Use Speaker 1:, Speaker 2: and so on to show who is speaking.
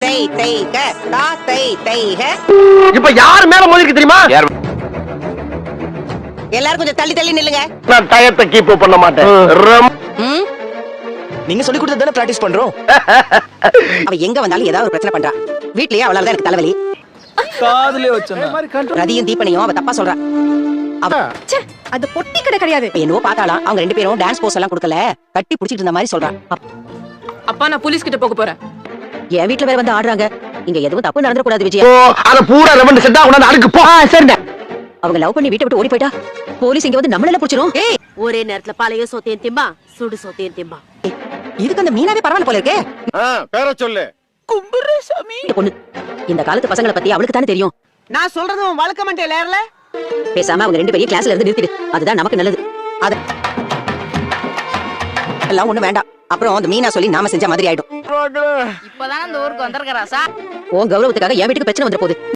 Speaker 1: தை தைக தா தை தைக.
Speaker 2: இப்ப யார் மேல மோதிருக்கு தெரியுமா?
Speaker 1: எல்லாரும் கொஞ்சம் தள்ளி தள்ளி நில்லுங்க.
Speaker 2: நான் டயத்தை கீப் பண்ண மாட்டேன்.
Speaker 1: ம்?
Speaker 3: நீங்க சொல்லி கொடுத்தது தானே பிராக்டிஸ் பண்றோம்.
Speaker 1: அவ எங்க வந்தாலும் ஏதாவது ஒரு பிரச்சனை பண்றா. வீட்லயே அவளால எனக்கு தலைவலி.
Speaker 3: காதுலயே வச்சேன்.
Speaker 1: ரதியும் தீபனையும் அவ தப்பா சொல்றா.
Speaker 4: அது பொட்டி கடை கிடையாது.
Speaker 1: என்னவோ பார்த்தாலாம் அவங்க 2 பேரும் டான்ஸ் போஸ் எல்லாம் கொடுக்கல, கட்டி புடிச்சிட்டு இருந்த மாதிரி சொல்றான்.
Speaker 4: அப்பா நான் போலீஸ் கிட்ட போக போறேன்.
Speaker 1: என் வீட்ல வேற வந்து ஆடுறாங்க. இங்க எதுவும் தப்பு நடந்துட கூடாது விஜயா.
Speaker 2: ஓ அத பூரா ரெவண்ட் செட்டா கொண்டாந்து அடுக்கு போ. சரிடா.
Speaker 1: அவங்க லவ் பண்ணி வீட்டை விட்டு ஓடி போயிட்டா போலீஸ் இங்க வந்து நம்மள புடிச்சிரும். ஏய்
Speaker 5: ஒரே நேரத்துல பழைய சோத்தையும் திம்பா சுடு சோத்தையும் திம்பா.
Speaker 1: இதுக்கு அந்த மீனாவே பரவாயில்ல போல இருக்கே.
Speaker 2: பேர சொல்லு.
Speaker 3: கும்புரசாமி.
Speaker 1: இந்த பொண்ணு இந்த காலத்து பசங்களை பத்தி அவளுக்கு தானே தெரியும்.
Speaker 6: நான் சொல்றதும் வழக்க மாட்டேன் லேர்ல.
Speaker 1: பேசாம அவங்க 2 பேரையும் கிளாஸ்ல இருந்து நிறுத்திடு. அதுதான் நமக்கு நல்லது. அத எல்லாம் ஒண்ணு வேண்டாம். அப்புறம் அந்த மீனா சொல்லி நாம செஞ்ச மாதிரி ஆயிடும்.
Speaker 5: இப்பதான் அந்த ஊருக்கு வந்திருக்கா சார்.
Speaker 1: உன் கௌரவத்துக்காக என் வீட்டுக்கு பிரச்சனை வந்துற போகுது.